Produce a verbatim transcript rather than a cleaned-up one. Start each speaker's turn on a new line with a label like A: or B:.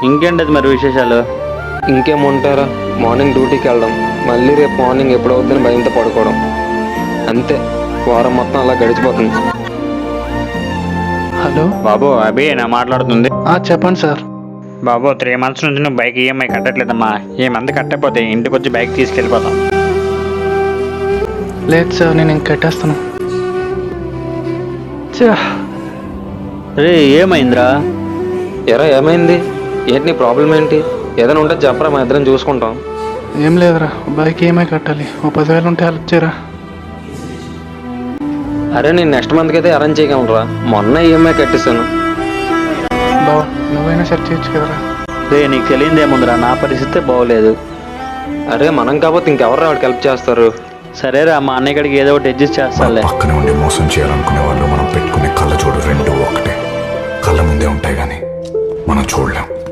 A: ఇంకేంటది మరి విశేషాలు?
B: ఇంకేముంటారా, మార్నింగ్ డ్యూటీకి వెళ్ళడం, మళ్ళీ రేపు మార్నింగ్ ఎప్పుడవుతుందని భయంతో పడుకోవడం, అంతే. వారం మొత్తం అలా గడిచిపోతుంది.
C: హలో
A: బాబు అభి నా మాట్లాడుతుంది.
C: చెప్పండి సార్.
A: బాబు త్రీ మంత్స్ నుంచి నువ్వు బైక్ ఈఎంఐ కట్టట్లేదమ్మా. ఈ మంత్ కట్టకపోతే ఇంటికి వచ్చి బైక్ తీసుకెళ్ళిపోతాం.
C: లేదు సార్, నేను ఇంక కట్టేస్తాను.
A: రే ఏమైందిరా?
B: ఎరా ఏమైంది? ఏంటి నీ ప్రాబ్లం ఏంటి? ఏదైనా ఉంటే చెప్పరా, మా ఇద్దరం చూసుకుంటాం.
C: ఏం లేదురా, బైక్ ఈఎంఐ కట్టాలి. ఓ పదివేలు ఉంటే హెల్ప్ చేయరా.
B: అరే నేను నెక్స్ట్ మంత్కి అయితే అరేంజ్ చేయగలరా, మొన్న ఈఎంఐ కట్టేశాను.
C: బావ నువ్వైనా సెట్ చేయొచ్చు కదరా.
A: రే నీకు తెలియదేముందిరా, నా పరిస్థితే బాగోలేదు.
B: అరే మనం కాకపోతే ఇంకెవరు వాడికి హెల్ప్ చేస్తారు?
A: సరేరా, మా అన్నయ్య గడికి ఏదో ఒకటి అడ్జస్ట్ చేస్తాలే.
D: పక్కన ఉండి మోసం చేయాలనుకునే వాళ్ళు మనం పెట్టుకునే కళ్ళ చూడు రెండు ఒకటే. కళ్ళ ముందే ఉంటాయి కానీ మనం చూడలేం.